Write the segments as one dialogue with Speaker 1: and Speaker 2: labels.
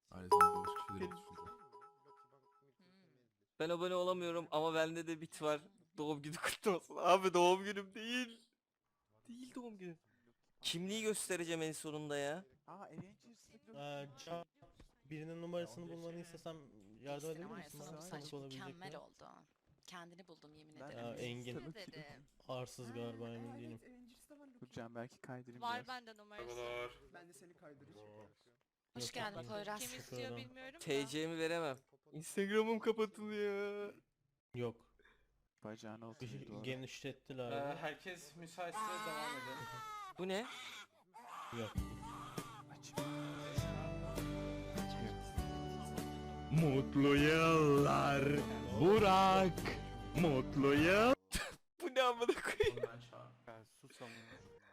Speaker 1: Ailesinden başka şeyler düşünüyor.
Speaker 2: Ben abone olamıyorum ama bende de bit var. Doğum günü kutlu olsun. Abi doğum günüm değil. Değil doğum günüm. Kimliği göstereceğim en sonunda ya.
Speaker 3: Can, birinin numarasını bulmanı istesem yardım edebilir
Speaker 4: Var ya
Speaker 3: misin
Speaker 4: sana
Speaker 3: bana?
Speaker 4: bu saç
Speaker 3: Tanık olabilecek
Speaker 4: mükemmel
Speaker 3: mi?
Speaker 4: oldu. Kendini buldum yemin
Speaker 5: Ben-
Speaker 4: ederim.
Speaker 3: Ya, Engin
Speaker 5: Teşekkür ederim.
Speaker 3: arsız galiba emin değilim.
Speaker 5: Dur Can belki kaydırayım
Speaker 6: Var
Speaker 5: biraz.
Speaker 6: bende numarası.
Speaker 7: Ben de seni kaydıracağım.
Speaker 4: Hoş
Speaker 3: Yok,
Speaker 4: geldin
Speaker 3: ben-
Speaker 4: Poyraz.
Speaker 6: Kim
Speaker 3: Teşekkür
Speaker 6: istiyor
Speaker 3: ederim.
Speaker 6: bilmiyorum da.
Speaker 2: TC'mi veremem. Instagram'ım kapatılıyor.
Speaker 3: Yok.
Speaker 5: Bacağını oturuyor doğru.
Speaker 3: Genişlettiler.
Speaker 8: Herkes müsaitse devam edelim.
Speaker 2: Bu ne?
Speaker 3: Yok.
Speaker 5: Aç.
Speaker 9: Mutlu yıllar Burak. Mutlu yıl.
Speaker 2: Bu ne amına koyayım?
Speaker 8: Onu ben çağırdım.
Speaker 5: Ben sus ama.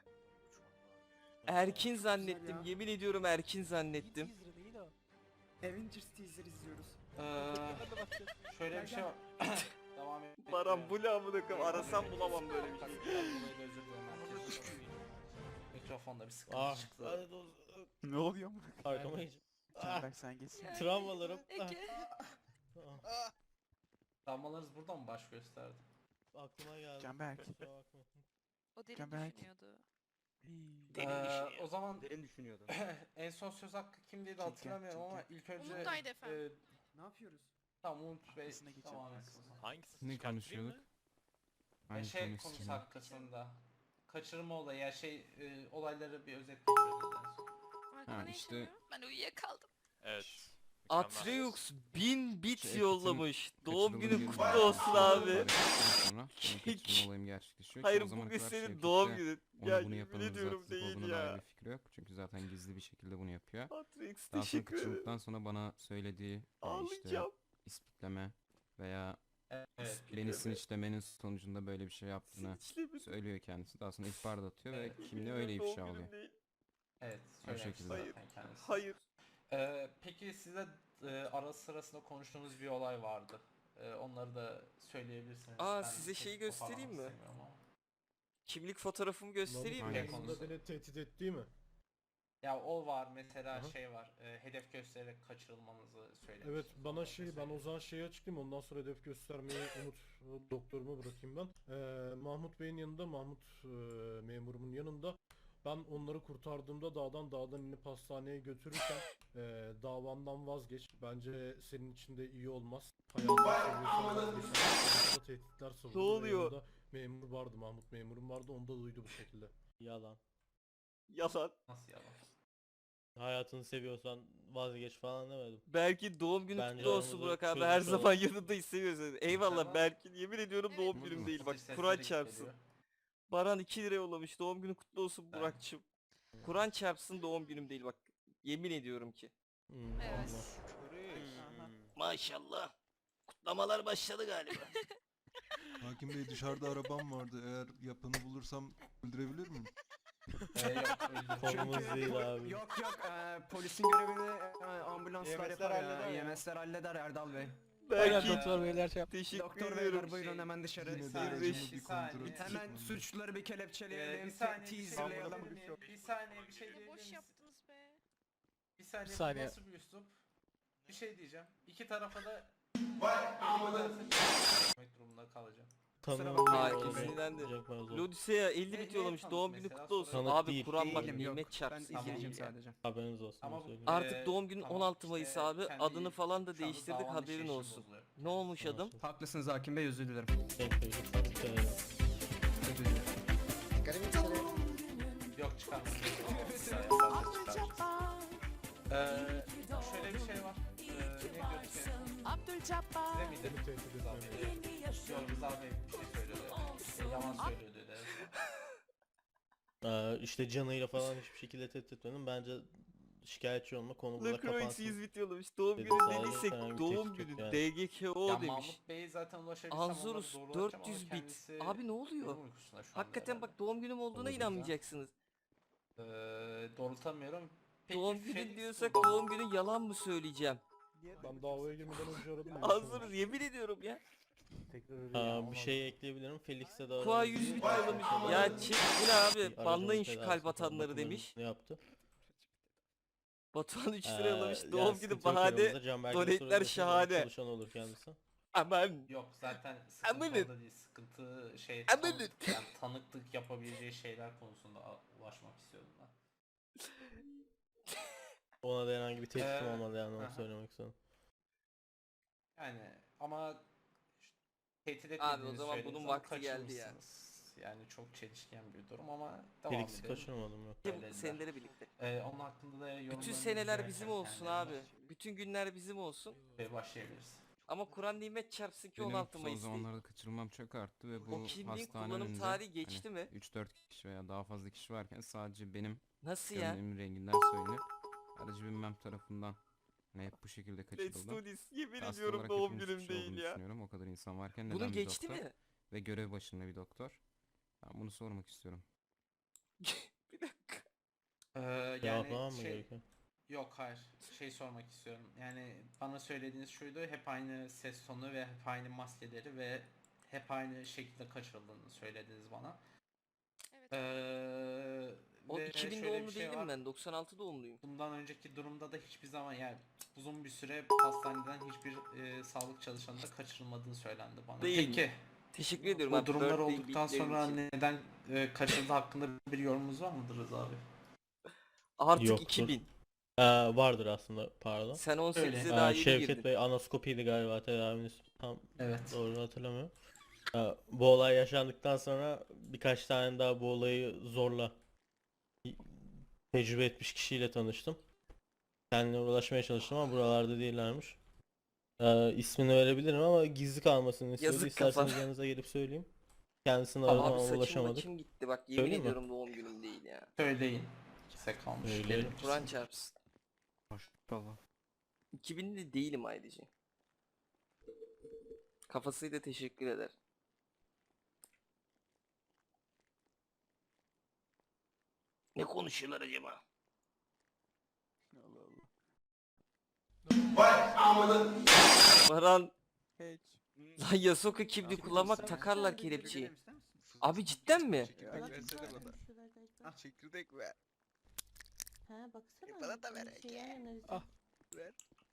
Speaker 2: Erkin zannettim. Yemin ediyorum Erkin zannettim.
Speaker 7: Avengers teaser izliyoruz.
Speaker 8: Şöyle bir şey var. Devam edelim.
Speaker 2: Baran bu ne amına koyayım? Arasam bulamam böyle bir şey.
Speaker 8: Özür dilerim herkes. Mikrofonda bir sıkıntı
Speaker 3: Ah.
Speaker 8: çıktı.
Speaker 3: Hadi dur.
Speaker 5: Ne oluyor mu?
Speaker 3: Arkama hiç.
Speaker 5: Can belki sen geçsin.
Speaker 3: Travmalarım.
Speaker 4: Ege.
Speaker 8: Damlalarınız burada mı baş gösterdi?
Speaker 3: Aklıma geldi.
Speaker 5: Canberk.
Speaker 3: Kusura bakma.
Speaker 4: O derin
Speaker 5: Canberk.
Speaker 4: düşünüyordu.
Speaker 8: O zaman
Speaker 9: Derin düşünüyordum.
Speaker 8: en son söz hakkı kimdeydi hatırlamıyorum ama ilk önce
Speaker 6: Umut'taydı efendim.
Speaker 7: Ne yapıyoruz?
Speaker 8: tamam Umut Bey
Speaker 5: Arkasına geçelim,
Speaker 8: devam
Speaker 5: arkasına.
Speaker 8: etsin.
Speaker 9: Hangisi?
Speaker 1: Ne konuşuyorduk? Hangi
Speaker 8: Şey
Speaker 1: konu
Speaker 8: konusu
Speaker 1: istiyorsun?
Speaker 8: hakkında. Kaçırma olayı ya olayları bir özet geçiyorduk en son.
Speaker 6: Arkada ne
Speaker 1: işte-
Speaker 6: yaşanıyor?
Speaker 4: Ben uyuyakaldım.
Speaker 10: Evet.
Speaker 2: Atreux 1000 bit
Speaker 1: Şey,
Speaker 2: yollamış. Doğum
Speaker 1: Kaçırıldığını
Speaker 2: günün
Speaker 1: görünce-
Speaker 2: kutlu olsun abi.
Speaker 1: Sonra benim kaçırma olayım gerçekleşiyor.
Speaker 2: Hayır
Speaker 1: O zamana
Speaker 2: bugün
Speaker 1: kadar
Speaker 2: senin
Speaker 1: Şevket
Speaker 2: doğum
Speaker 1: de
Speaker 2: günün.
Speaker 1: ona
Speaker 2: Ya
Speaker 1: bunu
Speaker 2: yemin
Speaker 1: yapanın
Speaker 2: ediyorum
Speaker 1: zaten
Speaker 2: değil
Speaker 1: olduğuna dair
Speaker 2: ya.
Speaker 1: bir fikri yok. Çünkü zaten gizli bir şekilde bunu yapıyor.
Speaker 2: Atreux
Speaker 1: Daha sonra
Speaker 2: teşekkür ederim.
Speaker 1: kaçırdıktan sonra bana söylediği işte
Speaker 2: Ağlayacağım.
Speaker 1: ispikleme veya
Speaker 8: Evet.
Speaker 1: beni sinirlemenin sonucunda böyle bir şey yaptığını
Speaker 2: Sinirlemedim.
Speaker 1: söylüyor kendisi. Daha sonra ihbar da atıyor ve
Speaker 8: Evet.
Speaker 1: kimliği öyle
Speaker 2: Doğum
Speaker 1: ifşa
Speaker 2: günüm
Speaker 1: oluyor.
Speaker 2: değil.
Speaker 8: Evet.
Speaker 1: O
Speaker 8: Söylemişti
Speaker 1: şekilde.
Speaker 8: zaten kendisi.
Speaker 2: Hayır.
Speaker 8: Peki size ara sırasında konuştuğunuz bir olay vardı. Onları da söyleyebilirsiniz.
Speaker 2: Aa,
Speaker 8: Ben
Speaker 2: size
Speaker 8: pek
Speaker 2: şeyi
Speaker 8: toparlamak
Speaker 2: göstereyim mi?
Speaker 8: istemiyorum ama.
Speaker 2: Kimlik fotoğrafımı göstereyim mi?
Speaker 1: Aynen.
Speaker 3: Aslında beni tehdit etti mi?
Speaker 8: Ya o var mesela
Speaker 3: Aha.
Speaker 8: şey var. Hedef göstererek kaçırılmanızı söylemiş.
Speaker 3: Evet bana ben o zaman şeyi açıklayayım ondan sonra hedef göstermeyi doktoruma bırakayım ben. Mahmut Bey'in yanında memurumun yanında ben onları kurtardığımda dağdan inip hastaneye götürürken davandan vazgeç. Bence senin için de iyi olmaz. Hayatını tehditler savurdu.
Speaker 2: Ne oluyor?
Speaker 3: Yanında memur vardı, Mahmut memurum vardı, onu da duydu bu şekilde. Yalan.
Speaker 2: Yalan.
Speaker 8: Nasıl yalan?
Speaker 3: Hayatını seviyorsan vazgeç falan demedim.
Speaker 2: Belki doğum günü
Speaker 3: Bence
Speaker 2: kutlu olsun
Speaker 3: aramızda
Speaker 2: Burak abi.
Speaker 3: çözüm
Speaker 2: Her
Speaker 3: olur.
Speaker 2: zaman yanındayız, seviyoruz. Eyvallah
Speaker 8: Tamam.
Speaker 2: Berkin. Yemin ediyorum
Speaker 4: Evet.
Speaker 2: doğum günüm değil. Bak
Speaker 8: Sesleri
Speaker 2: Kur'an
Speaker 8: geliyor.
Speaker 2: çarpsın. Baran 2 lira yollamış. Doğum günü kutlu olsun
Speaker 8: Evet.
Speaker 2: Burak'cığım. Kur'an çarpsın doğum günüm değil bak. Yemin ediyorum ki.
Speaker 6: Evet.
Speaker 2: Maşallah. Kutlamalar başladı galiba.
Speaker 1: Hakim Bey dışarıda arabam vardı. Eğer yapanı bulursam öldürebilir miyim?
Speaker 8: Yok öyle.
Speaker 3: Konumuz değil abi.
Speaker 7: Yok polisin görevini ambulanslar
Speaker 8: YMS'ler
Speaker 7: yapar
Speaker 8: halleder
Speaker 7: ya.
Speaker 8: ya.
Speaker 7: YMS'ler halleder Erdal Bey.
Speaker 2: Belki
Speaker 8: doktor
Speaker 2: beyler teşekkür
Speaker 7: Doktor
Speaker 2: ediyorum.
Speaker 7: beyler buyurun hemen dışarı.
Speaker 1: Yine de
Speaker 8: saniye,
Speaker 1: aracımı
Speaker 2: bir
Speaker 1: bir
Speaker 8: saniye.
Speaker 1: kontrol
Speaker 8: Hemen
Speaker 7: Hemen
Speaker 1: etmem.
Speaker 7: suçluları bir kelepçeleyelim,
Speaker 8: bir saniye
Speaker 7: teaserlayalım.
Speaker 8: bir saniye bir şey diyebilir
Speaker 6: Boş
Speaker 8: misin?
Speaker 6: yaptınız be.
Speaker 8: Bir saniye,
Speaker 3: Bir saniye.
Speaker 8: bu nasıl bir üslup? Bir şey diyeceğim. İki tarafa da durumunda kalacağım.
Speaker 2: Hayır, kesinlikle de. Lodisea 50 bit yollamış.
Speaker 8: Niye
Speaker 2: Doğum
Speaker 8: tanık
Speaker 2: günü
Speaker 8: mesela?
Speaker 2: kutlu olsun.
Speaker 3: Tanık
Speaker 2: Abi
Speaker 3: değil.
Speaker 2: Kur'an bak
Speaker 7: Değilim, yok.
Speaker 2: nimet
Speaker 7: Ben
Speaker 2: çarpsın.
Speaker 7: izleyiciyim
Speaker 8: Tamam.
Speaker 7: sadece.
Speaker 3: Haberiniz olsun.
Speaker 8: Ama
Speaker 3: söyleyeyim.
Speaker 2: Artık doğum günün
Speaker 8: Tamam,
Speaker 2: 16 Mayıs
Speaker 8: işte
Speaker 2: abi.
Speaker 8: kendi-
Speaker 2: Adını falan da
Speaker 8: şu anda
Speaker 2: değiştirdik,
Speaker 8: davanın
Speaker 2: haberin
Speaker 8: işleyişi
Speaker 2: olsun.
Speaker 8: bozuluyor.
Speaker 2: Ne olmuş adım?
Speaker 7: Haklısınız Hakim Bey, özür dilerim. Özür dilerim.
Speaker 8: Yok çıkarmasın. Şöyle bir şey var. Ne diyorduk Size miydi? Yok Rıza Bey bir şey söylüyordu. Yalan söylüyordu dedi.
Speaker 3: İşte canıyla falan hiçbir şekilde tehdit etmedim. Bence şikayetçi olma konu burada
Speaker 2: Lacroix
Speaker 3: kapansın.
Speaker 2: 100 bit yollamış. Doğum
Speaker 3: Dedi
Speaker 2: günü
Speaker 3: sadece,
Speaker 2: dediysek
Speaker 3: herhangi bir
Speaker 2: doğum
Speaker 3: tehdit
Speaker 2: günü
Speaker 3: yok
Speaker 2: DGKO
Speaker 8: Ya
Speaker 2: demiş.
Speaker 8: Mahmut Bey'e zaten ulaşabilsem onları
Speaker 2: Anzurus
Speaker 8: doğrulatacağım ama
Speaker 2: 400 bit.
Speaker 8: kendisi
Speaker 2: Abi ne oluyor?
Speaker 8: uyum uykusunda şu anda
Speaker 2: Hakikaten
Speaker 8: herhalde.
Speaker 2: bak doğum günüm olduğuna
Speaker 3: Olabilir.
Speaker 2: inanmayacaksınız.
Speaker 8: Doğrultamıyorum. Peki,
Speaker 2: Doğum
Speaker 8: şey-
Speaker 2: günü diyorsak doğum günü yalan mı söyleyeceğim?
Speaker 3: Ben davaya girmeden önce aradım.
Speaker 2: Anzurus yemin ediyorum ya.
Speaker 3: Bir şey ekleyebilirim. Felix'e de
Speaker 2: Kua 100 bit yollamış. Ya çek bu ne abi?
Speaker 3: Bir
Speaker 2: Banlayın
Speaker 3: aracın
Speaker 2: şu
Speaker 3: tedavisi
Speaker 2: kalp
Speaker 3: için
Speaker 2: atanları
Speaker 3: bakımını
Speaker 2: demiş.
Speaker 3: Ne yaptı?
Speaker 2: Batuhan 3 lira yollamış.
Speaker 3: Yani
Speaker 2: Doğum günü
Speaker 3: sıkıntı yok
Speaker 2: bahane.
Speaker 3: yanımızda. Canberk'in
Speaker 2: donetler
Speaker 3: sorunları dışında
Speaker 2: şahane.
Speaker 3: Çalışan olur kendisi.
Speaker 2: Aman.
Speaker 8: Yok zaten sıkıntı
Speaker 2: Amanın.
Speaker 8: orada değil. Sıkıntı şey
Speaker 2: Amanın.
Speaker 8: yani tanıklık yapabileceği şeyler konusunda ulaşmak istiyordum ben.
Speaker 3: Ona da herhangi bir tehditim
Speaker 8: Ee,
Speaker 3: olmadı yani onu
Speaker 8: aha.
Speaker 3: söylemek istedim.
Speaker 8: Yani ama tehdit
Speaker 2: Abi o
Speaker 8: etmediğinizi
Speaker 2: zaman
Speaker 8: söylediniz
Speaker 2: bunun
Speaker 8: ama
Speaker 2: vakti geldi ya.
Speaker 8: kaçırmışsınız. Yani çok çelişken bir durum ama devam
Speaker 3: Felix'i
Speaker 8: edelim.
Speaker 3: kaçırmadım yok.
Speaker 8: Söylediler.
Speaker 2: Seneleri birlikte.
Speaker 8: Onun hakkında da yorumlarınızı
Speaker 2: Bütün seneler
Speaker 8: rica
Speaker 2: bizim
Speaker 8: etsem
Speaker 2: olsun
Speaker 8: kendilerinden.
Speaker 2: abi. Bütün günler bizim olsun.
Speaker 8: Ve başlayabiliriz.
Speaker 2: Ama Kur'an nimet çarpsın ki
Speaker 10: Benim
Speaker 2: 16
Speaker 10: son
Speaker 2: Mayıs değil.
Speaker 10: zamanlarda kaçırılmam çok arttı ve bu
Speaker 2: O kimliğin
Speaker 10: hastane
Speaker 2: kullanım
Speaker 10: önünde
Speaker 2: tarihi geçti mi?
Speaker 10: 3-4 kişi veya daha fazla kişi varken sadece benim
Speaker 2: Nasıl ya?
Speaker 10: gömleğimin renginden söylenip aracı binmem tarafından hep bu şekilde
Speaker 2: Let's
Speaker 10: kaçırıldım.
Speaker 2: do this. Yemin
Speaker 10: Hasta
Speaker 2: ediyorum
Speaker 10: olarak
Speaker 2: doğum
Speaker 10: hepimiz
Speaker 2: günüm
Speaker 10: suçlu
Speaker 2: değil
Speaker 10: olduğunu
Speaker 2: ya.
Speaker 10: düşünüyorum. O kadar insan varken
Speaker 2: Bunun
Speaker 10: neden bir
Speaker 2: geçti
Speaker 10: doktor
Speaker 2: mi?
Speaker 10: ve görev başında bir doktor? Ben bunu sormak istiyorum.
Speaker 2: Bir dakika.
Speaker 3: Cevaplamam
Speaker 8: Yani
Speaker 3: mı gerekiyor?
Speaker 8: yok hayır şey sormak istiyorum. Yani bana söylediğiniz şuydu, hep aynı ses tonu ve hep aynı maskeleri ve hep aynı şekilde kaçırıldığını söylediniz bana.
Speaker 6: Evet.
Speaker 2: O
Speaker 8: Ve
Speaker 2: 2000
Speaker 8: şöyle
Speaker 2: doğumlu
Speaker 8: bir şey
Speaker 2: değilim
Speaker 8: var.
Speaker 2: ben. 96 doğumluyum.
Speaker 8: Bundan önceki durumda da hiçbir zaman yani uzun bir süre hastaneden hiçbir sağlık çalışanı da kaçırılmadığı söylendi bana.
Speaker 2: Değil mi?
Speaker 8: Peki
Speaker 2: Teşekkür ediyorum
Speaker 8: bu
Speaker 2: abi.
Speaker 8: durumlar
Speaker 2: birthday
Speaker 8: olduktan
Speaker 2: beatlerin
Speaker 8: sonra
Speaker 2: için.
Speaker 8: neden kaçırıldığı hakkında bir yorumunuz var mıdır Rıza abi?
Speaker 2: Artık
Speaker 3: Yoktur.
Speaker 2: 2000.
Speaker 3: Vardır aslında pardon.
Speaker 2: Sen 18'e
Speaker 8: Öyle.
Speaker 2: daha yeni
Speaker 3: Şevket
Speaker 2: girdin.
Speaker 3: Bey anaskopiydi galiba tedaviniz tam
Speaker 8: Evet.
Speaker 3: doğru hatırlamıyorum. Bu olay yaşandıktan sonra birkaç tane daha bu olayı zorla tecrübe etmiş kişiyle tanıştım. Kendine ulaşmaya çalıştım ama buralarda değillermiş. İsmini verebilirim ama gizli kalmasını istedi.
Speaker 2: Yazık
Speaker 3: İsterseniz
Speaker 2: kafa.
Speaker 3: yanınıza gelip söyleyeyim. Kendisini aradım
Speaker 2: Abi
Speaker 3: ama
Speaker 2: saçım
Speaker 3: ulaşamadık.
Speaker 2: maçım gitti bak yemin
Speaker 3: Söyleyeyim mi?
Speaker 2: ediyorum doğum günüm değil ya.
Speaker 8: Söyleyin. Size kalmış.
Speaker 3: Öyle.
Speaker 8: Gelin.
Speaker 2: Kur'an çarpsın.
Speaker 5: Maşallah.
Speaker 2: 2000'li değilim ayrıca. Kafasıyla teşekkür eder. Ne konuşuyorlar acaba?
Speaker 5: Allah Allah.
Speaker 2: Baran,
Speaker 5: Hiç.
Speaker 2: lan Yasuoka kimliği kullanmak takarlar kelepçeyi. Abi cidden mi?
Speaker 5: Çekirdek versene bana. Ah çekirdek ver.
Speaker 6: Ha baksana.
Speaker 5: Bana da ver.
Speaker 6: Ah.
Speaker 5: Ver.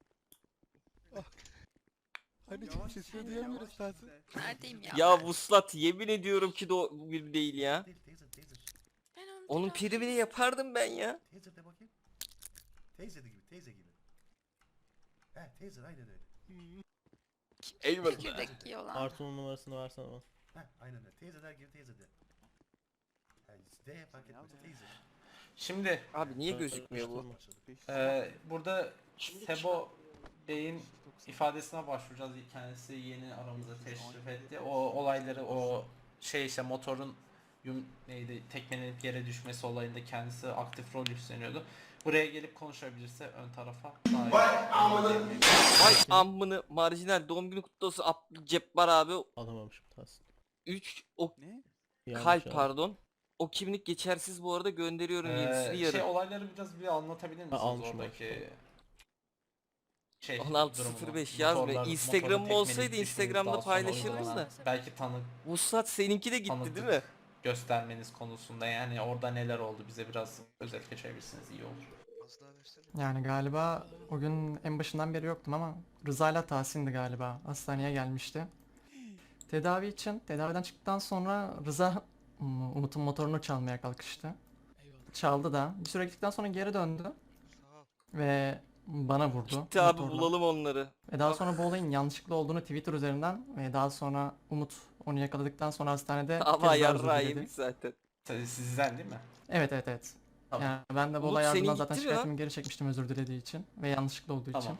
Speaker 5: Hani sesini duyamıyoruz Tahsin.
Speaker 4: Neredeyim ya?
Speaker 2: Ya Vuslat yemin ediyorum ki doğum günüm değil ya.
Speaker 6: Ben onu
Speaker 2: Onun
Speaker 6: biraz-
Speaker 2: primini yapardım ben ya.
Speaker 11: Taser de bakayım. Taser gibi, taser gibi. He, taser aynen öyle.
Speaker 2: Eyvallah.
Speaker 4: Çekirdek yiyorlar.
Speaker 3: Artun'un numarasını versene bana.
Speaker 11: He, aynen öyle. Taserler gibi taser de. Yani D fark etmez. Taser.
Speaker 8: Şimdi
Speaker 2: Abi niye gözükmüyor bu?
Speaker 8: burada Sebo Bey'in ifadesine başvuracağız. Kendisi yeni aramıza teşrif etti. O olayları o şey işte motorun tekmelenip yere düşmesi olayında kendisi aktif rol üstleniyordu. Buraya gelip konuşabilirse ön tarafa daha iyi.
Speaker 2: Vay ammını marjinal doğum günü kutlu olsun Abdülcebbar abi.
Speaker 3: Alamamışım Tahsin.
Speaker 2: 3 o
Speaker 5: Ne?
Speaker 3: Yanlış
Speaker 2: kalp
Speaker 3: abi.
Speaker 2: pardon. O kimlik geçersiz bu arada gönderiyorum yenisini yarın.
Speaker 8: Olayları biraz bir anlatabilir misiniz
Speaker 3: almışım,
Speaker 8: oradaki şey
Speaker 2: 16.05 yazmıyor. Instagram'ım olsaydı Instagram'da paylaşırdım da.
Speaker 8: Belki tanık
Speaker 2: Vuslat seninki de gitti
Speaker 8: Tanıdık.
Speaker 2: değil mi?
Speaker 8: göstermeniz konusunda yani orada neler oldu bize biraz özet geçebilirsiniz iyi olur.
Speaker 12: Yani galiba o gün en başından beri yoktum ama Rıza'yla Tahsin'di galiba. Hastaneye gelmişti. Tedavi için, tedaviden çıktıktan sonra Rıza Umut'un motorunu çalmaya kalkıştı. Çaldı da. Bir süre gittikten sonra geri döndü. Ve bana vurdu.
Speaker 2: Gitti abi
Speaker 12: motorla.
Speaker 2: bulalım onları.
Speaker 12: Ve daha sonra bu olayın yanlışlıkla olduğunu Twitter üzerinden ve daha sonra Umut onu yakaladıktan sonra hastanede
Speaker 2: Ama
Speaker 12: kez daha özür
Speaker 2: yarrağı
Speaker 12: diledi.
Speaker 2: yemiş zaten.
Speaker 8: Sizden değil mi?
Speaker 12: Evet.
Speaker 8: Tamam.
Speaker 12: Yani ben de bu
Speaker 2: Umut,
Speaker 12: olay
Speaker 2: senin
Speaker 12: ardından zaten
Speaker 2: gitti mi lan?
Speaker 12: şikayetimi geri çekmiştim özür dilediği için ve yanlışlıkla olduğu
Speaker 8: Tamam.
Speaker 12: için.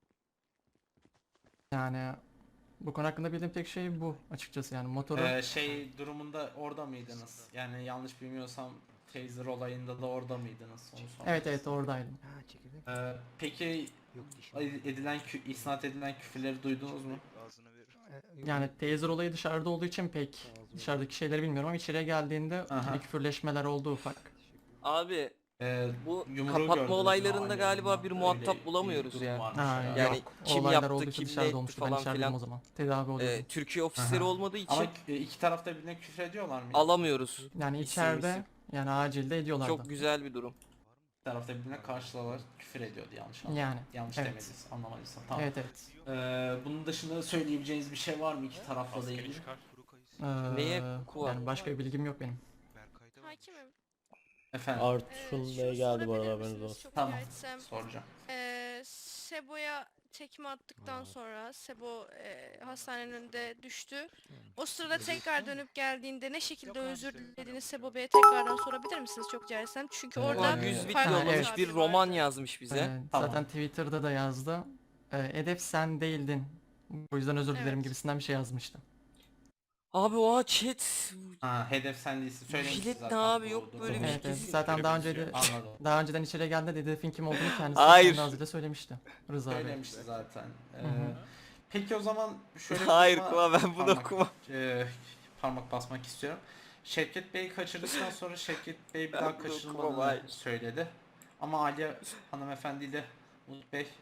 Speaker 12: Yani bu konu hakkında bildiğim tek şey bu açıkçası yani motoru
Speaker 8: Şey durumunda orada mıydınız? Yani yanlış bilmiyorsam Taser olayında da orada mıydınız? Onu sormak
Speaker 12: evet
Speaker 8: istedim.
Speaker 12: oradaydım.
Speaker 5: Ha çekirdek.
Speaker 8: Peki
Speaker 5: Yok dişim.
Speaker 8: isnat edilen küfürleri duydunuz mu?
Speaker 5: Ağzına ver.
Speaker 12: Yani taser olayı dışarıda olduğu için pek dışarıdaki şeyleri bilmiyorum ama içeriye geldiğinde
Speaker 8: Aha.
Speaker 12: ikili küfürleşmeler oldu ufak.
Speaker 2: Abi bu
Speaker 8: Yumruğu
Speaker 2: kapatma
Speaker 8: gördünüz mü?
Speaker 2: olaylarında
Speaker 8: Alev
Speaker 2: galiba
Speaker 8: yanma.
Speaker 2: bir
Speaker 8: Öyle
Speaker 2: muhatap bulamıyoruz
Speaker 8: durum
Speaker 2: ya.
Speaker 8: varmış
Speaker 12: Ha,
Speaker 8: ya.
Speaker 2: Yani
Speaker 12: yok.
Speaker 2: kim
Speaker 12: Olaylar
Speaker 2: yaptı,
Speaker 12: olduysa
Speaker 2: kim
Speaker 12: dışarıda
Speaker 2: ne
Speaker 12: olmuştu.
Speaker 2: etti
Speaker 12: Ben
Speaker 2: falan
Speaker 12: içerideydim
Speaker 2: filan.
Speaker 12: o zaman. Tedavi oluyordu.
Speaker 2: Türkiye ofisleri
Speaker 8: Aha.
Speaker 2: olmadığı için
Speaker 8: Ama iki tarafta birbirine küfür ediyorlar mı?
Speaker 2: alamıyoruz.
Speaker 12: Yani
Speaker 2: isim,
Speaker 12: içeride
Speaker 2: isim.
Speaker 12: yani acilde ediyorlardı.
Speaker 2: Çok güzel bir durum.
Speaker 8: tarafta birbirine karşılalar küfür ediyordu yanlış
Speaker 12: Yani,
Speaker 8: yanlış
Speaker 12: evet.
Speaker 8: demediysem, anlamadıysam. Tamam.
Speaker 12: Evet evet.
Speaker 8: Bunun dışında söyleyebileceğiniz bir şey var mı iki tarafla da ilgili?
Speaker 2: Neye hukuku var?
Speaker 12: Yani başka bir bilgim yok benim.
Speaker 13: Hakimim.
Speaker 8: Efendim
Speaker 6: Artun Bey geldi bu arada haberiniz olsun.
Speaker 13: Çok
Speaker 8: Tamam.
Speaker 13: rica etsem.
Speaker 8: soracağım.
Speaker 13: Sebo'ya tekme attıktan sonra Sebo hastanenin önünde düştü. O sırada tekrar dönüp geldiğinde ne şekilde özür dilediğini Sebo Bey'e tekrardan sorabilir misiniz çok rica etsem? Çünkü orada
Speaker 2: Ulan 100 bit
Speaker 13: farklı
Speaker 2: yollamış,
Speaker 13: tabir
Speaker 2: bir roman
Speaker 13: vardı.
Speaker 2: yazmış bize.
Speaker 8: Tamam.
Speaker 12: Zaten Twitter'da da yazdı. Hedef sen değildin. Bu yüzden özür dilerim
Speaker 13: Evet.
Speaker 12: gibisinden bir şey yazmıştı.
Speaker 2: Abi o chat.
Speaker 8: Ha, hedef sen değilsin. Söylemişsin
Speaker 2: Jilet ne
Speaker 8: zaten.
Speaker 2: abi? Yok
Speaker 8: bu
Speaker 2: böyle bir
Speaker 8: durumu.
Speaker 12: Evet, evet.
Speaker 2: kesin.
Speaker 12: Zaten daha önce de
Speaker 8: Anladım.
Speaker 12: daha önceden içeri geldiğinde hedefin kim olduğunu kendisi
Speaker 2: Hayır.
Speaker 12: kendi ağzıyla söylemişti. Rıza Bey.
Speaker 8: Söylemişti zaten.
Speaker 12: hı.
Speaker 8: Peki o zaman şöyle bir
Speaker 2: Hayır
Speaker 8: duruma
Speaker 2: Kuva, ben bunu
Speaker 8: parmak-
Speaker 2: okumam.
Speaker 8: Parmak basmak istiyorum. Şevket Bey'i kaçırdıktan sonra Şevket Bey bir
Speaker 2: Ben
Speaker 8: daha
Speaker 2: bunu okumam,
Speaker 8: kaçırılmadığını
Speaker 2: hayır.
Speaker 8: söyledi. Ama Aliye hanımefendi ile Umut Bey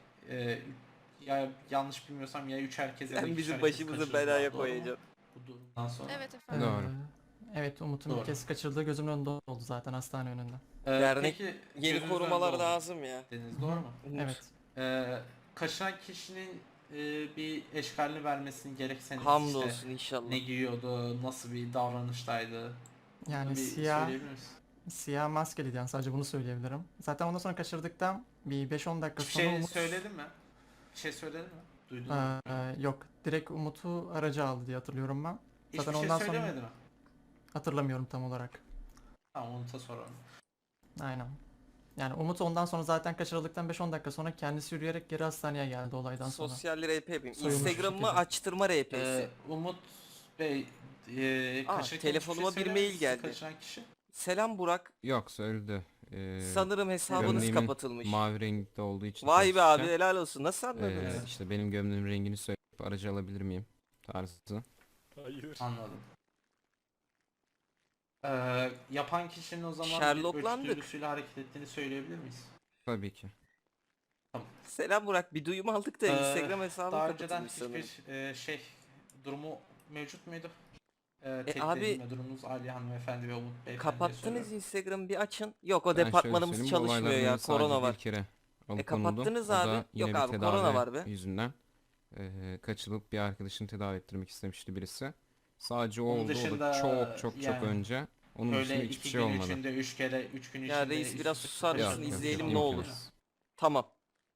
Speaker 8: ya yanlış bilmiyorsam ya 3 herkese
Speaker 2: Sen bizim başımızı belaya koyacaksın.
Speaker 8: Bu durumdan sonra.
Speaker 13: Evet efendim.
Speaker 10: Doğru.
Speaker 12: Evet Umut'un
Speaker 8: Doğru.
Speaker 12: bir kez kaçırdığı gözümün önünde oldu zaten hastane önünde.
Speaker 2: Dernek
Speaker 8: Peki,
Speaker 2: Yeni
Speaker 8: gözünüzün
Speaker 2: korumalar
Speaker 8: önünde oldu
Speaker 2: lazım ya.
Speaker 8: dediniz, doğru mu?
Speaker 12: Evet.
Speaker 8: Kaçıran kişinin bir eşkalini vermesini gerekseniz
Speaker 2: Hamdolsun
Speaker 8: işte
Speaker 2: inşallah.
Speaker 8: ne giyiyordu, nasıl bir davranıştaydı?
Speaker 12: Yani
Speaker 8: Bunu bir
Speaker 12: siyah
Speaker 8: söyleyebilir misin?
Speaker 12: siyah maskeliydi yani sadece bunu söyleyebilirim. Zaten ondan sonra kaçırdıktan bir 5-10 dakika
Speaker 8: Bir
Speaker 12: sonra
Speaker 8: şey
Speaker 12: Umut
Speaker 8: söyledin mi? Bir şey söyledin mi? Duydun mu?
Speaker 12: yok direkt Umut'u araca aldı diye hatırlıyorum ben.
Speaker 8: Hiçbir
Speaker 12: Zaten
Speaker 8: şey
Speaker 12: ondan sonra
Speaker 8: söylemedi mi?
Speaker 12: hatırlamıyorum tam olarak.
Speaker 8: Tamam, onu da soralım.
Speaker 12: Aynen. Yani Umut ondan sonra zaten kaçırıldıktan 5-10 dakika sonra kendisi yürüyerek geri hastaneye geldi olaydan sonra.
Speaker 2: Sosyal RP yapayım.
Speaker 12: Soyulmuş bir
Speaker 2: Instagram'ımı
Speaker 12: şekilde.
Speaker 2: açtırma RP'si.
Speaker 8: Umut Bey kaçırırken
Speaker 2: telefonuma
Speaker 8: hiçbir şey
Speaker 2: bir mail
Speaker 8: söylemedi
Speaker 2: geldi.
Speaker 8: Kaçıran kişi.
Speaker 2: Selam Burak.
Speaker 10: Yok söyledi.
Speaker 2: Sanırım hesabınız
Speaker 10: gömleğimin
Speaker 2: kapatılmış.
Speaker 10: Mavi renkte olduğu için.
Speaker 2: Vay be abi
Speaker 10: konuşurken,
Speaker 2: helal olsun. Nasıl anladınız?
Speaker 10: işte benim gömleğimin rengini söyleyip aracı alabilir miyim? Tarzı.
Speaker 5: Hayır.
Speaker 8: Anladım. Yapan kişinin o zaman bir
Speaker 2: Sherlocklandık.
Speaker 8: ölçüsüyle hareket ettiğini söyleyebilir miyiz?
Speaker 10: Tabii ki.
Speaker 2: Selam Burak. Bir duyum aldık da Instagram hesabı
Speaker 8: Daha önceden
Speaker 2: kapatılmış sanırım.
Speaker 8: hiçbir durumu mevcut muydu?
Speaker 2: abi,
Speaker 8: Abi durumunuz Ali hanımefendi ve Umut Bey.
Speaker 2: Kapattınız Instagram'ı bir açın. Yok o
Speaker 10: Ben şöyle
Speaker 2: departmanımız
Speaker 10: söyleyeyim, bu
Speaker 2: çalışmıyor ya.
Speaker 10: olaylardan sadece
Speaker 2: Korona var.
Speaker 10: Bir kere alıkonuldu.
Speaker 2: kapattınız
Speaker 10: O da
Speaker 2: abi.
Speaker 10: yine
Speaker 2: Yok
Speaker 10: bir
Speaker 2: abi,
Speaker 10: tedavi
Speaker 2: korona var be.
Speaker 10: yüzünden kaçılıp bir arkadaşını tedavi ettirmek istemişti birisi. Sadece o
Speaker 8: Onun
Speaker 10: oldu. O
Speaker 8: dışında
Speaker 10: da çok
Speaker 8: yani
Speaker 10: önce. Onun dışında
Speaker 8: Öyle
Speaker 10: hiçbir
Speaker 8: 2
Speaker 10: şey
Speaker 8: gün
Speaker 10: olmadı.
Speaker 8: içinde 3 kere 3 gün içinde.
Speaker 2: Ya reis
Speaker 8: üst
Speaker 2: biraz
Speaker 8: üste
Speaker 2: susar
Speaker 8: kaçırıldı.
Speaker 2: mısın?
Speaker 10: Yok, yok,
Speaker 2: İzleyelim
Speaker 10: yok,
Speaker 2: ne
Speaker 10: imkansız.
Speaker 2: olur. Tamam.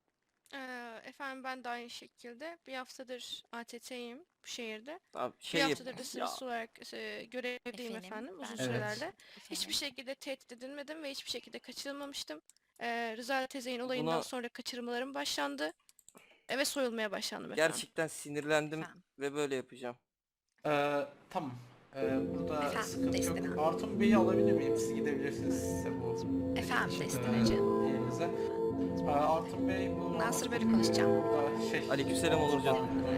Speaker 13: Efendim ben de aynı şekilde bir haftadır ATT'yim bu şehirde.
Speaker 2: Abi
Speaker 13: Bir
Speaker 2: şey yap.
Speaker 13: haftadır da sırasız olarak görevdeyim efendim uzun
Speaker 8: Evet.
Speaker 13: sürelerde. Hiçbir şekilde tehdit edilmedim ve hiçbir şekilde kaçırılmamıştım. Rıza Tezey'in olayından
Speaker 2: Buna-
Speaker 13: sonra kaçırmalarım başlandı. Ve soyulmaya başlandım efendim.
Speaker 2: Gerçekten sinirlendim
Speaker 4: Efendim.
Speaker 2: ve böyle yapacağım.
Speaker 8: Tamam. Burada
Speaker 4: Efendim,
Speaker 8: sıkıntı yok.
Speaker 4: Destina.
Speaker 8: Artun Bey'i alabilir miyim? Siz gidebilirsiniz size bu
Speaker 4: Efendim Destinacığım.
Speaker 8: yerinize. Artun Bey bu...
Speaker 4: Nasır böyle konuşacağım.
Speaker 2: Aleykümselam Onurcan.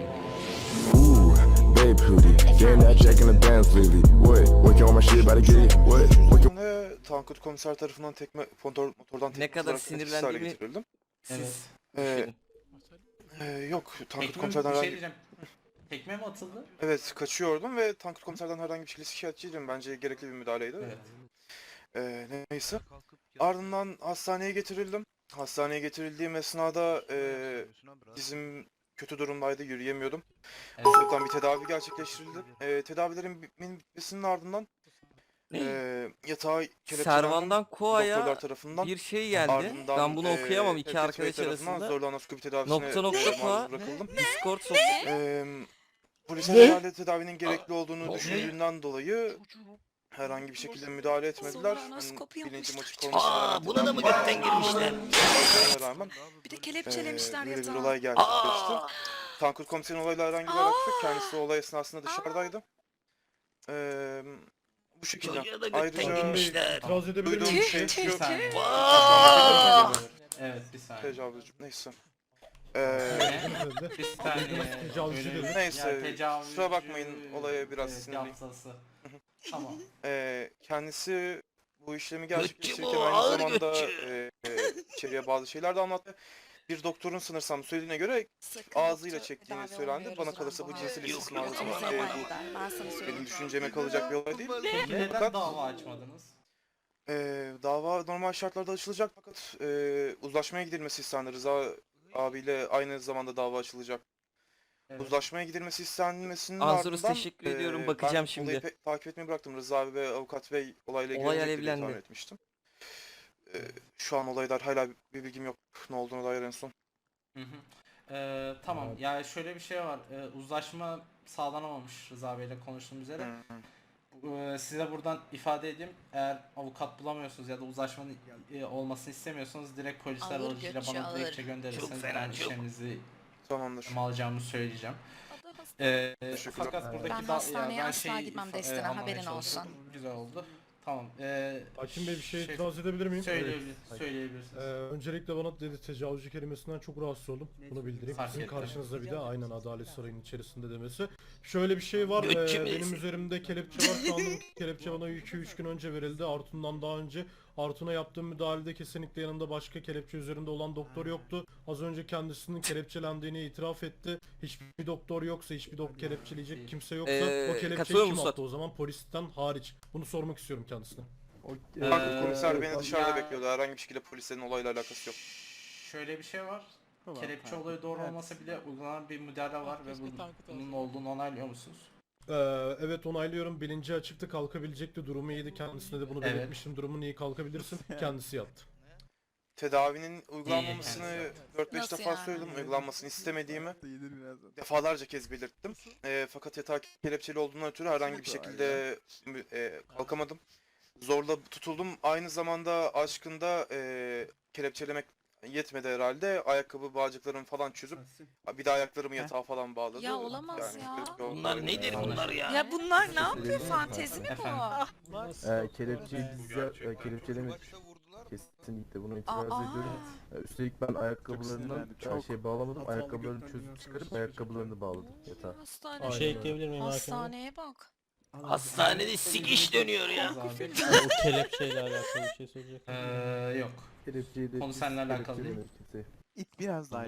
Speaker 9: Ooh, babe pretty. Getting that jack in the bands lately. What? Working on my shit, about to get it. What? Working.
Speaker 5: Tankut komiser tarafından motordan
Speaker 2: Ne kadar sinirlendiğimi
Speaker 5: getirildim.
Speaker 2: siz
Speaker 8: Evet.
Speaker 2: düşünün.
Speaker 5: Yok Tankut
Speaker 8: Tekme, bir
Speaker 5: komiserden
Speaker 8: şey
Speaker 5: herhangi...
Speaker 8: diyeceğim. Tekme mi atıldı?
Speaker 5: Evet kaçıyordum ve Tankut komiserden herhangi bir şekilde şikayetçiydim. Bence gerekli bir müdahaleydi.
Speaker 8: Evet.
Speaker 5: Neyse. Ardından hastaneye getirildim. Hastaneye getirildiğim esnada dizim kötü durumdaydı, yürüyemiyordum.
Speaker 8: Evet.
Speaker 5: Buradan bir tedavi gerçekleştirildi. Tedavilerin bitmesinin ardından yatağa kelepçelendim.
Speaker 2: Servan'dan Koa'ya
Speaker 5: Doktorlar tarafından.
Speaker 2: bir şey geldi.
Speaker 5: Ardından,
Speaker 2: Ben bunu okuyamam iki
Speaker 5: Tevfik Bey
Speaker 2: arkadaş
Speaker 5: tarafından
Speaker 2: arasında.
Speaker 5: zorlu anaskopi tedavisine
Speaker 2: Nokta nokta
Speaker 5: maruz
Speaker 2: Koa
Speaker 5: bırakıldım.
Speaker 2: Discord sohbeti.
Speaker 5: Polisin herhalde tedavinin gerekli olduğunu düşündüğünden dolayı herhangi bir şekilde müdahale etmediler.
Speaker 4: Zorla anaskopi
Speaker 5: Bilincim açık
Speaker 4: yapmışlar.
Speaker 5: olmasına
Speaker 2: Buna da mı gökten girmişler?
Speaker 5: rağmen
Speaker 4: Bir de kelepçelemişler
Speaker 5: böyle bir
Speaker 4: yatağı.
Speaker 5: olay gerçekleşti. Tankut komiserin olayla herhangi bir alakası yok. Kendisi olay esnasında dışarıdaydı. Bu şekilde. Ayrıca
Speaker 3: İtiraz edebilir
Speaker 5: duyduğum
Speaker 3: miyim?
Speaker 5: şey
Speaker 8: Bir
Speaker 5: şu.
Speaker 8: saniye.
Speaker 2: Vaa!
Speaker 8: Evet, bir saniye.
Speaker 5: Tecavüzcü. Neyse.
Speaker 8: Bir saniye.
Speaker 3: Tecavüzcü
Speaker 8: Öyle-
Speaker 3: dedi.
Speaker 5: Neyse,
Speaker 8: Ya, tecavüzcü,
Speaker 5: kusura bakmayın, olaya biraz
Speaker 8: evet,
Speaker 5: sinirliyim.
Speaker 8: yapsası. Tamam.
Speaker 5: Kendisi bu işlemi gerçekleştirirken
Speaker 2: bu,
Speaker 5: aynı
Speaker 2: ağır
Speaker 5: zamanda
Speaker 2: götçü.
Speaker 5: içeriye bazı şeyler de anlattı. Bir doktorun sanırsam söylediğine göre
Speaker 4: Sakın
Speaker 5: ağzıyla
Speaker 4: doktor
Speaker 5: çektiğini
Speaker 4: tedavi
Speaker 5: söylendi.
Speaker 4: olmuyoruz
Speaker 5: Bana kalırsa bu
Speaker 4: Rambo.
Speaker 5: cinsel
Speaker 2: Yok,
Speaker 5: istismar
Speaker 2: yok,
Speaker 5: bu
Speaker 4: Ben sana söyleyeyim.
Speaker 5: benim düşünceme kalacak bir olay değil.
Speaker 8: Peki neden
Speaker 5: Fakat
Speaker 8: dava açmadınız?
Speaker 5: Dava normal şartlarda açılacak fakat uzlaşmaya gidilmesi istendi. Rıza abiyle aynı zamanda dava açılacak.
Speaker 8: Evet.
Speaker 5: Uzlaşmaya gidilmesi istenmesinin
Speaker 2: Anzurus,
Speaker 5: ardından
Speaker 2: teşekkür ediyorum,
Speaker 5: ben
Speaker 2: bakacağım şimdi.
Speaker 5: olayı takip etmeyi bıraktım. Rıza abi ve avukat bey olayla
Speaker 2: Olay
Speaker 5: ilgilenecektir diye tahmin
Speaker 2: alevlendi.
Speaker 5: etmiştim. Şu an olaylar hala bir bilgim yok ne olduğuna dair en son.
Speaker 8: Hı hı. Tamam.
Speaker 3: Evet.
Speaker 8: Ya şöyle bir şey var. Uzlaşma sağlanamamış Rıza Bey'le konuştuğum üzere. Size buradan ifade edeyim. Eğer avukat bulamıyorsunuz ya da uzlaşmanın olmasını istemiyorsanız direkt polisler
Speaker 4: Alır
Speaker 8: aracılığıyla
Speaker 4: göçü,
Speaker 8: bana
Speaker 4: alır.
Speaker 8: dilekçe gönderirseniz ben işleminizi
Speaker 5: Tamamdır.
Speaker 8: alacağımı söyleyeceğim.
Speaker 5: Teşekkürler.
Speaker 8: Fakat buradaki
Speaker 4: Ben hastaneye
Speaker 8: ben
Speaker 4: asla gitmem Destina,
Speaker 8: anlamaya
Speaker 4: haberin
Speaker 8: çalıştım.
Speaker 4: olsun.
Speaker 8: Güzel oldu. Tamam.
Speaker 3: Hakim Bey bir şey itiraz edebilir miyim?
Speaker 8: Söyleyebilirsiniz.
Speaker 3: Öncelikle bana dedi tecavüzcü kelimesinden çok rahatsız oldum. Bunu bildireyim.
Speaker 8: Fark
Speaker 3: Sizin
Speaker 8: ettim.
Speaker 3: karşınızda bir de aynen Adalet Sarayı'nın içerisinde demesi. Şöyle bir şey var. Benim üzerimde kelepçe var. Şu anda bu kelepçe bana 2-3 gün önce verildi. Artun'dan daha önce. Artun'a yaptığım müdahalede kesinlikle yanında başka kelepçe üzerinde olan doktor yoktu. Az önce kendisinin kelepçelendiğini itiraf etti. Hiçbir doktor yoksa, hiçbir doktor kelepçeleyecek kimse yoksa o kelepçeyi
Speaker 2: katılıyor
Speaker 3: kim
Speaker 2: musun?
Speaker 3: attı o zaman polisten hariç? Bunu sormak istiyorum kendisine.
Speaker 5: Tankut komiser beni dışarıda
Speaker 8: ya-
Speaker 5: bekliyordu. Herhangi bir şekilde polislerin olayla alakası yok.
Speaker 8: Şöyle bir şey var. Kelepçe olayı doğru olmasa bile uygulanan bir müdahale var ve bunun olduğunu onaylıyor musunuz?
Speaker 3: Evet onaylıyorum. Bilinci açıktı, kalkabilecekti. Durumu iyiydi. Kendisine de bunu
Speaker 8: Evet.
Speaker 3: belirtmiştim. Durumun iyi, kalkabilirsin. Kendisi yattı.
Speaker 5: Tedavinin uygulanmamasını 4-5
Speaker 4: Nasıl
Speaker 5: defa
Speaker 4: yani?
Speaker 5: söyledim. Uygulanmasını istemediğimi defalarca kez belirttim. Fakat yatağa kelepçeli olduğundan ötürü herhangi bir şekilde kalkamadım. Zorla tutuldum. Aynı zamanda aşkında kelepçelemek yetmedi herhalde. Ayakkabı bağcıklarımı falan çözüp bir de ayaklarımı yatağa falan bağladı.
Speaker 4: Ya olamaz ya.
Speaker 5: garip bir
Speaker 2: Bunlar
Speaker 5: olay.
Speaker 2: nedir bunlar ya?
Speaker 4: Ya bunlar ne yapıyor? Fantezi mi
Speaker 8: Efendim?
Speaker 4: bu?
Speaker 6: Kelepçeyi kelepçelemek kesinlikle buna itiraz
Speaker 4: Aa.
Speaker 6: ediyorum. Üstelik ben ayakkabılarından bağlamadım. Ayakkabılarını çözüp çıkarıp ayakkabılarını bağladım yatağa.
Speaker 4: Hastane.
Speaker 3: Bir şey ekleyebilir miyim
Speaker 4: Hastaneye bak.
Speaker 2: Hastanede sikiş dönüyor ya.
Speaker 6: O kelepçeyle alakalı bir şey söyleyecek.
Speaker 8: Yok.
Speaker 6: Kelepçeyi de
Speaker 8: Konu seninle alakalı değil.
Speaker 6: İt biraz daha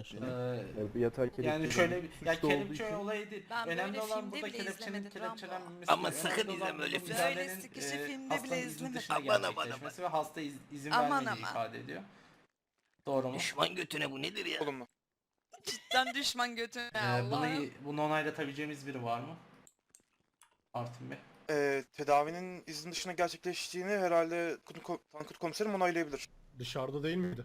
Speaker 8: Yatağa yani şöyle bir ya kelepçe olayı değil.
Speaker 4: Ben
Speaker 8: Önemli
Speaker 4: böyle
Speaker 8: olan
Speaker 4: filmde
Speaker 8: burada
Speaker 4: bile
Speaker 8: kelepçenin
Speaker 4: izlemedim, Rambo.
Speaker 8: kelepçelenmemesi.
Speaker 2: Ama
Speaker 8: değil.
Speaker 2: sakın
Speaker 8: Önemli olan
Speaker 2: izleme öyle
Speaker 8: burada
Speaker 2: film.
Speaker 8: müdahalenin,
Speaker 4: Böyle sıkışı filmde
Speaker 8: hastanın
Speaker 4: bile
Speaker 8: izin
Speaker 4: izlemedim.
Speaker 8: dışına
Speaker 2: Aman, aman,
Speaker 8: gerçekleşmesi ve hasta izin
Speaker 4: Aman,
Speaker 8: vermediği
Speaker 4: aman.
Speaker 8: ifade ediyor. Doğru mu?
Speaker 2: Düşman götüne bu nedir ya?
Speaker 5: Olumlu.
Speaker 4: Cidden düşman götüne Allah'ım.
Speaker 8: Bunu onaylatabileceğimiz biri var mı? Artun Bey.
Speaker 5: Tedavinin izin dışına gerçekleştiğini herhalde Tankut komiserim onaylayabilir.
Speaker 3: Dışarıda değil miydi?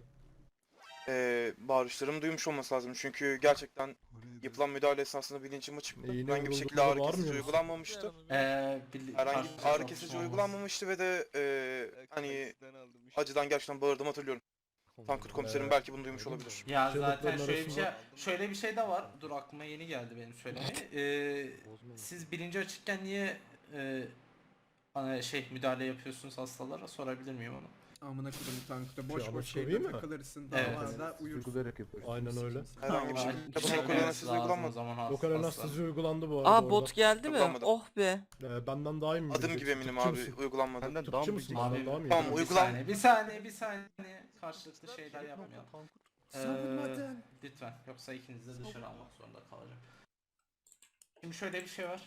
Speaker 5: Bağırışlarımı duymuş olması lazım çünkü gerçekten yapılan müdahale esnasında bilincim açıktı.
Speaker 3: İğne
Speaker 5: Herhangi bir şekilde
Speaker 3: vurulduğunda
Speaker 5: ağrı kesici
Speaker 3: bağırmıyor musun?
Speaker 5: uygulanmamıştı. Herhangi bir ağrı kesici uygulanmamıştı ve de hani acıdan gerçekten bağırdığımı hatırlıyorum. Tankut komiserim belki bunu duymuş olabilir.
Speaker 8: Ya zaten
Speaker 3: Şebapların
Speaker 8: şöyle bir şey de var. Dur aklıma yeni geldi benim söylemeye. Siz bilinci açıkken niye müdahale yapıyorsunuz hastalara, sorabilir miyim onu?
Speaker 10: Amına koydum tankta
Speaker 3: Şey,
Speaker 10: boş
Speaker 3: ama
Speaker 10: boş
Speaker 3: sorayım
Speaker 10: şeyde
Speaker 3: mı?
Speaker 10: takılırsın
Speaker 8: Evet.
Speaker 10: davada uyursun.
Speaker 6: Uygulayarak yapıyoruz.
Speaker 3: Aynen öyle.
Speaker 5: Herhangi bir
Speaker 8: Tamam,
Speaker 5: şekilde
Speaker 8: teşekkür
Speaker 5: lokal
Speaker 8: ederiz
Speaker 5: anestezi
Speaker 8: lazım o
Speaker 5: uygulanmadı.
Speaker 8: zaman
Speaker 3: Lokal
Speaker 8: hasta.
Speaker 3: anestezi uygulandı bu arada.
Speaker 2: Aa
Speaker 3: orada.
Speaker 2: bot geldi mi?
Speaker 5: Yapamadım.
Speaker 2: Oh be.
Speaker 3: Benden daha iyi mi?
Speaker 5: Adım
Speaker 3: bileceksin?
Speaker 5: gibi eminim
Speaker 3: Tıpçı
Speaker 5: abi
Speaker 3: mısın?
Speaker 5: uygulanmadı.
Speaker 3: Tıpçı mısın?
Speaker 8: Abi,
Speaker 3: Benden daha mı iyi?
Speaker 5: tamam,
Speaker 8: Bir saniye. Karşılıklı şeyler yapmayalım. Lütfen. Yoksa ikinizi de dışarı almak zorunda kalacağım. Şimdi şöyle bir şey var.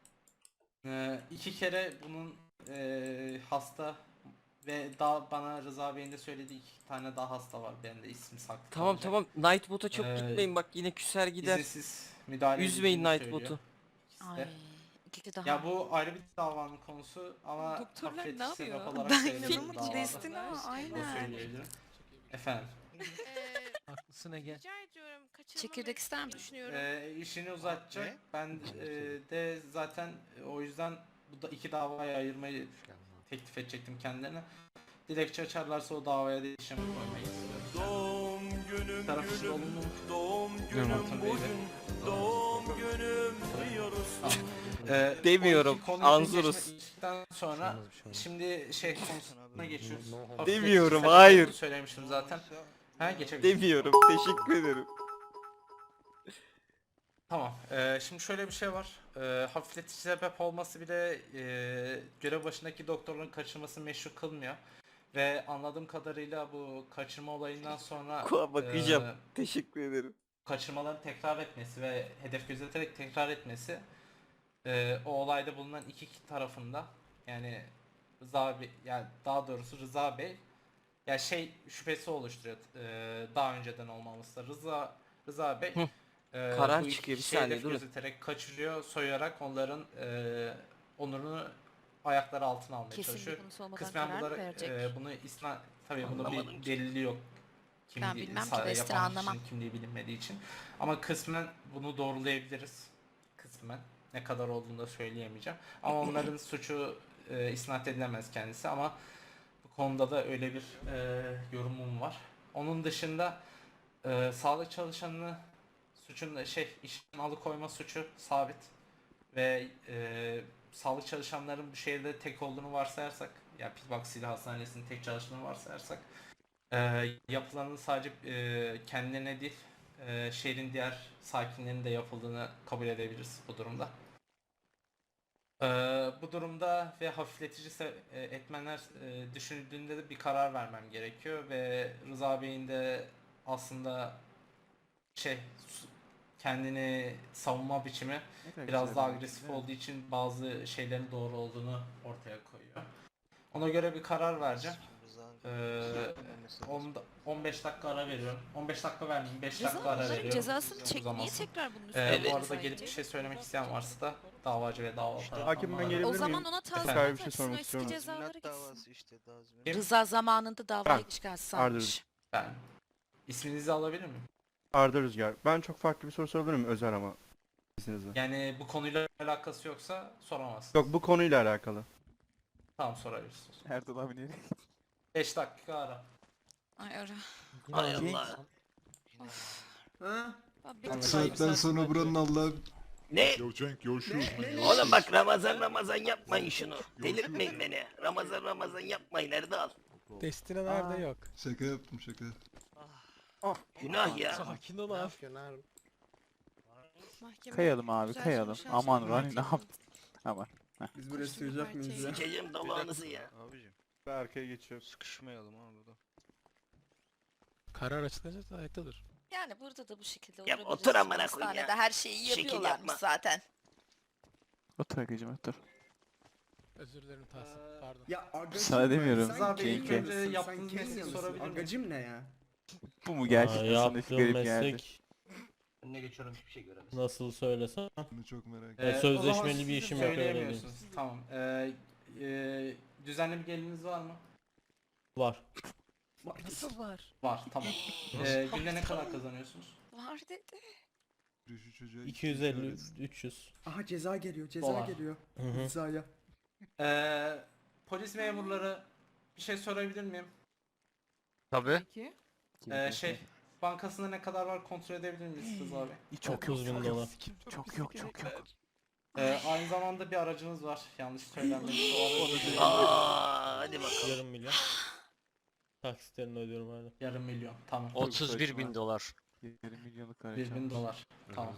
Speaker 8: 2 kere bunun hasta ve daha bana Rıza Bey'in de söylediği 2 tane daha hasta var. Benim de ismi saklı.
Speaker 2: Tamam
Speaker 8: kalacak.
Speaker 2: tamam, Nightbot'a çok
Speaker 8: Ee,
Speaker 2: gitmeyin bak, yine küser gider.
Speaker 8: İzinsiz müdahale
Speaker 2: Üzmeyin
Speaker 8: edildiğini
Speaker 2: Nightbot'u.
Speaker 8: söylüyor.
Speaker 4: Ay. İkisi daha.
Speaker 8: Ya bu ayrı bir davanın konusu ama
Speaker 4: Doktorlar
Speaker 8: hafifletici
Speaker 4: ne
Speaker 8: sebep
Speaker 4: yapıyor?
Speaker 8: olarak
Speaker 4: Ben
Speaker 8: sayılır bu
Speaker 4: inanamadım.
Speaker 8: davada.
Speaker 4: Destina
Speaker 8: Bunu
Speaker 4: aynen.
Speaker 8: söyleyebilirim. Efendim.
Speaker 13: Haklısın Ege. Rica ediyorum.
Speaker 4: Çekirdek ister misin?
Speaker 13: Düşünüyorum.
Speaker 8: İşini uzatacak. Ben de zaten o yüzden bu da 2 davaya ayırmayı teklif edecektim kendilerine. Dilekçe açarlarsa o davaya da işlemi koymayı istiyorum.
Speaker 9: Doğum günüm
Speaker 8: Tarafsız olumlu mu?
Speaker 9: doğum
Speaker 8: Artun Bey'le.
Speaker 9: doğum günüm diyoruz.
Speaker 2: Demiyorum, Anzurus.
Speaker 8: Sonra şimdi konusuna geçiyoruz.
Speaker 2: Demiyorum,
Speaker 8: Sebep
Speaker 2: hayır.
Speaker 8: olduğunu söylemiştim zaten. Ha geçebiliriz.
Speaker 2: Demiyorum. Teşekkür ederim.
Speaker 8: Tamam. Şimdi şöyle bir şey var. Hafifletici sebep olması bile görev başındaki doktorların kaçırmasını meşru kılmıyor. Ve anladığım kadarıyla bu kaçırma olayından sonra
Speaker 2: Bakacağım. Teşekkür ederim.
Speaker 8: kaçırmaların tekrar etmesi ve hedef gözeterek tekrar etmesi o olayda bulunan iki tarafında yani Rıza Bey, yani daha doğrusu Rıza Bey ya şey şüphesi oluşturuyor daha önceden olmaması da Rıza Bey
Speaker 2: Karar
Speaker 8: bu
Speaker 2: çıkıyor, bir
Speaker 8: kişi
Speaker 2: saniye,
Speaker 8: hedef
Speaker 2: durun.
Speaker 8: gözeterek kaçırıyor, soyarak onların onurunu ayakları altına almaya
Speaker 4: Kesin
Speaker 8: çalışıyor.
Speaker 4: bir konusu olmadan
Speaker 8: Kısmen
Speaker 4: karar
Speaker 8: bunları
Speaker 4: mı verecek?
Speaker 8: bunu tabii bunun
Speaker 2: Anlamadım
Speaker 8: bir delili yok.
Speaker 4: Ben bilmem ki,
Speaker 8: sadece
Speaker 4: Destiny
Speaker 8: yapan
Speaker 4: anlamam.
Speaker 8: kişinin kimliği bilinmediği için. Ama kısmen bunu doğrulayabiliriz. Kısmen. Ne kadar olduğunu da söyleyemeyeceğim. Ama onların suçu isnat edilemez kendisi ama bu konuda da öyle bir yorumum var. Onun dışında sağlık çalışanını suçun işten alıkoyma suçu sabit ve sağlık çalışanların bu şehirde tek olduğunu varsayarsak, yani Pitbox Silah Hastanesi'nin tek çalıştığını varsayarsak, yapılanın sadece kendilerine değil, şehrin diğer sakinlerinin de yapıldığını kabul edebiliriz bu durumda. Bu durumda ve hafifletici etmenler düşünüldüğünde de bir karar vermem gerekiyor ve Rıza Bey'in de aslında kendini savunma biçimi biraz daha agresif olduğu için bazı şeylerin doğru olduğunu ortaya koyuyor. Ona göre bir karar vereceğim. 15 dakika ara veriyorum. 15 dakika vermeyeyim, 5 dakika ara veriyorum.
Speaker 4: Cezasını
Speaker 8: Çok
Speaker 4: çek. Niye
Speaker 8: uzamasın.
Speaker 4: tekrar bunun üstüne
Speaker 8: Bu arada
Speaker 4: koysaydın?
Speaker 8: gelip bir şey söylemek isteyen varsa da davacı ve dava tarafından.
Speaker 6: Hakim, ben gelebilir
Speaker 4: O
Speaker 6: miyim?
Speaker 4: zaman ona tazminat
Speaker 6: Efendim? Bir şey
Speaker 4: açsın,
Speaker 6: sormak
Speaker 4: o eski
Speaker 6: istiyorum.
Speaker 4: cezaları gitsin. Rıza zamanında davayı çıkarsanmış.
Speaker 8: Ben isminizi alabilir miyim?
Speaker 6: Arda Rüzgar. Ben çok farklı bir soru sorabilir miyim? Özel ama. İzninizle.
Speaker 8: Yani bu konuyla alakası yoksa soramazsınız.
Speaker 6: Yok, bu konuyla alakalı.
Speaker 8: Tamam, sorabilirsiniz.
Speaker 7: Erdal abi nereye?
Speaker 8: 5 dakika ara.
Speaker 4: Ay ara.
Speaker 2: Hay Allah.
Speaker 1: Kaç saatten sonra buranın Allah'ı...
Speaker 2: Ne? Oğlum bak Ramazan yapmayın şunu. Delirtmeyin beni. Ramazan yapmayın Erdal.
Speaker 3: Destiny nerede yok?
Speaker 1: Şaka yaptım şaka.
Speaker 2: Günah ya.
Speaker 3: Sakin ol abi.
Speaker 13: Mahkeme
Speaker 7: Kayalım abi,
Speaker 13: güzel
Speaker 7: kayalım.
Speaker 13: sonuçlar
Speaker 7: Aman
Speaker 13: çıkartacak.
Speaker 7: Rani ne yaptın? Aman.
Speaker 3: Biz
Speaker 13: buraya sığacak mıyız ya?
Speaker 2: Sikeceğim dalağınızı ya.
Speaker 6: Ben arkaya geçiyorum.
Speaker 5: Sıkışmayalım abi burada.
Speaker 3: Karar açıklanacak ayakta dur.
Speaker 4: Yani burada da bu şekilde
Speaker 2: Ya
Speaker 4: olabiliriz.
Speaker 2: otur amına koyayım ya.
Speaker 4: Hastanede her şeyi
Speaker 2: Şekil
Speaker 4: yapıyorlarmış
Speaker 2: yapma.
Speaker 4: zaten.
Speaker 7: Otur Agacım otur.
Speaker 3: Özür dilerim Tahsin. Pardon.
Speaker 14: Ya agacım
Speaker 7: Sana demiyorum.
Speaker 8: Rıza Bey, ilk
Speaker 7: Kenke.
Speaker 8: önce yaptığınız mesleği sorabilir miyim?
Speaker 14: Agacım ne ya?
Speaker 7: Bu mu gerçekten sana garip geldi?
Speaker 5: Önüne geçiyorum, hiçbir şey göremez.
Speaker 3: Nasıl söylesem?
Speaker 1: Bunu çok merak ettim.
Speaker 3: Evet,
Speaker 8: O
Speaker 3: sözleşmeli
Speaker 8: zaman
Speaker 3: bir
Speaker 8: siz
Speaker 3: işim yok, öyle diyeyim.
Speaker 8: söyleyemiyorsunuz. Tamam. Düzenli bir geliriniz var mı?
Speaker 3: Var.
Speaker 4: Nasıl var?
Speaker 8: Var, tamam. Günde ne kadar kazanıyorsunuz?
Speaker 4: Var dedi.
Speaker 1: Şu çocuğa
Speaker 3: 250 300.
Speaker 14: Aha ceza geliyor, ceza
Speaker 8: Dolar.
Speaker 14: geliyor.
Speaker 3: Hı hı.
Speaker 14: Rıza'ya.
Speaker 8: Polis memurları, bir şey sorabilir miyim?
Speaker 5: Tabii.
Speaker 8: Bankasında ne kadar var kontrol edebilir miyiz Rıza Bey?
Speaker 7: Çok yok,
Speaker 3: 30.000
Speaker 7: çok
Speaker 3: dolar.
Speaker 7: yok. Çok yok, çok yok.
Speaker 8: Aynı zamanda bir aracınız var. Yanlış söylenmemiş.
Speaker 2: Hadi bakalım.
Speaker 3: Yarım milyon. Taksitlerini ödüyorum hala.
Speaker 8: Yarım milyon. Tamam.
Speaker 5: 31.000 dolar.
Speaker 7: 20 milyonluk araç
Speaker 8: 1.000 dolar. Tamam.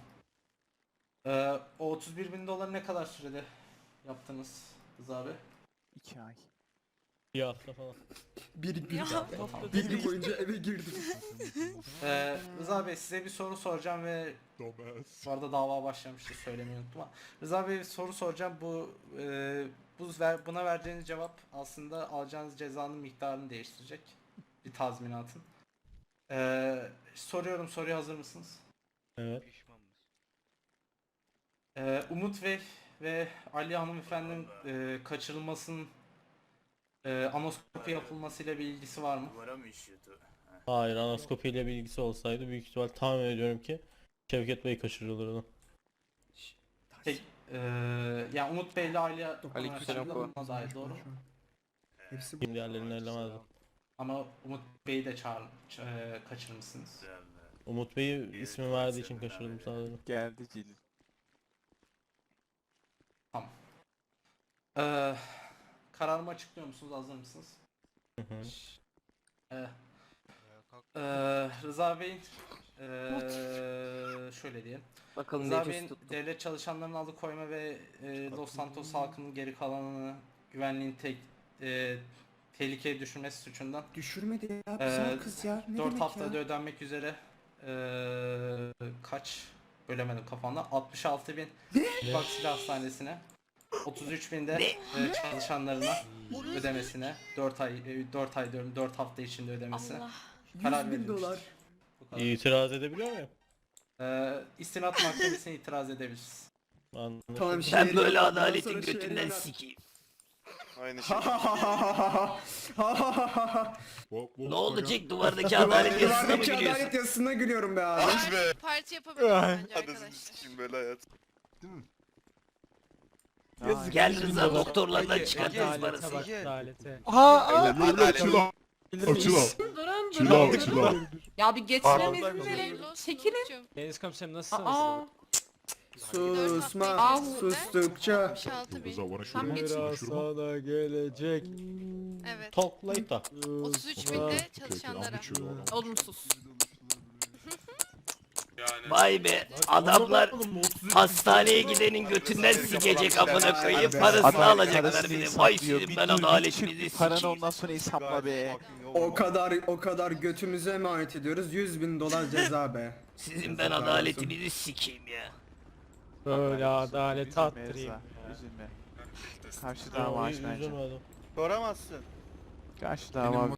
Speaker 8: O 31.000 doları ne kadar sürede yaptınız Rıza Bey?
Speaker 7: 2 ay.
Speaker 3: Bir hafta falan.
Speaker 14: Bir gün,
Speaker 8: Tamam.
Speaker 14: bir gün boyunca eve girdim.
Speaker 8: Rıza Bey, size bir soru soracağım ve bu arada dava başlamıştı, söylemeyi unuttum ama Rıza Bey, bir soru soracağım. Buna vereceğiniz cevap aslında alacağınız cezanın miktarını değiştirecek. Bir tazminatın. Soruyorum, soruya hazır mısınız?
Speaker 3: Evet.
Speaker 8: Umut Bey ve Ali hanımefendinin kaçırılmasının anoskopi yapılmasıyla bir ilgisi var mı?
Speaker 3: Hayır, anaskopiyle bir ilgisi olsaydı büyük ihtimal tahmin ediyorum ki Şevket Bey kaçırılırdı.
Speaker 8: Yani Umut Bey ile Ali
Speaker 5: Aleykümselam.
Speaker 8: kaçırılmasına dair doğru mu?
Speaker 14: Hepsi
Speaker 3: Kim diğerlerini ellemezdim.
Speaker 8: Ama Umut Bey'i de kaçırmışsınız.
Speaker 3: Umut Bey'i ismi verdiği için kaçırdım sadece.
Speaker 7: Geldi Celil.
Speaker 8: Tamam. Kararımı açıklıyor musunuz? Hazır mısınız?
Speaker 3: Hı hı.
Speaker 8: Rıza Bey'in şöyle diyelim.
Speaker 2: Bakalım
Speaker 8: Rıza
Speaker 2: ne
Speaker 8: Bey'in
Speaker 2: tuttu.
Speaker 8: devlet çalışanlarının alıkoyma ve Los Santos halkının geri kalanını güvenliğin tehlikeye düşürmesi suçundan
Speaker 14: düşürmedi ya güzel kız ya. Ne
Speaker 8: 4
Speaker 14: demek
Speaker 8: haftada
Speaker 14: ya?
Speaker 8: ödenmek üzere kaç bölemedim kafamda 66.000 Bak Silah Hastanesi'ne 33.000 de çalışanlarına ödemesine 4 ay diyorum 4 hafta içinde ödemesine
Speaker 4: Allah.
Speaker 8: karar
Speaker 14: 100.000
Speaker 8: verilmiş.
Speaker 14: dolar.
Speaker 8: Bu kadar.
Speaker 3: İtiraz edebiliyor muyum?
Speaker 8: İstinat mahkemesine itiraz edebiliriz.
Speaker 14: Tamam
Speaker 4: Ben böyle adaletin götünden sikeyim.
Speaker 5: Aynı şey.
Speaker 4: Ne olacak duvardaki adalet yazısına mı
Speaker 14: Duvardaki
Speaker 4: gülüyorsun?
Speaker 14: adalet yazısına gülüyorum be abi.
Speaker 5: Ah be.
Speaker 13: Parti yapabiliriz bence
Speaker 5: Anasını
Speaker 13: arkadaşlar.
Speaker 5: sikeyim böyle hayat.
Speaker 1: Değil mi?
Speaker 4: Gel Rıza doktorlardan çıkartırız parası.
Speaker 13: Ya bir geçmemiz
Speaker 8: Hayırlı olsun
Speaker 13: Çekilin.
Speaker 8: Umut'cum.
Speaker 10: Deniz komiserim nasılsınız?
Speaker 13: Aa.
Speaker 14: Susma. Sustukça.
Speaker 13: 66.000. Tam geçin.
Speaker 3: sana gelecek.
Speaker 13: Evet.
Speaker 3: Talk later.
Speaker 13: 33.000 de çalışanlara. Olumsuz.
Speaker 4: Vay be adamlar hastaneye gidenin götünden sikecek amına koyayım parasını alacaklar bir de. Vay sizin ben adaletinizi
Speaker 7: Paranı
Speaker 4: sikeyim.
Speaker 7: ondan sonra hesapla be.
Speaker 14: O kadar götümüze emanet ediyoruz. 100.000 dolar ceza be.
Speaker 4: Sizin ben adaletinizi sikeyim ya.
Speaker 3: Böyle adalet
Speaker 7: Üzülme
Speaker 3: attırayım.
Speaker 7: Rıza, üzülme. Karşı dava açmayacağım.
Speaker 3: Üzülmedim.
Speaker 5: Soramazsın.
Speaker 7: Karşı dava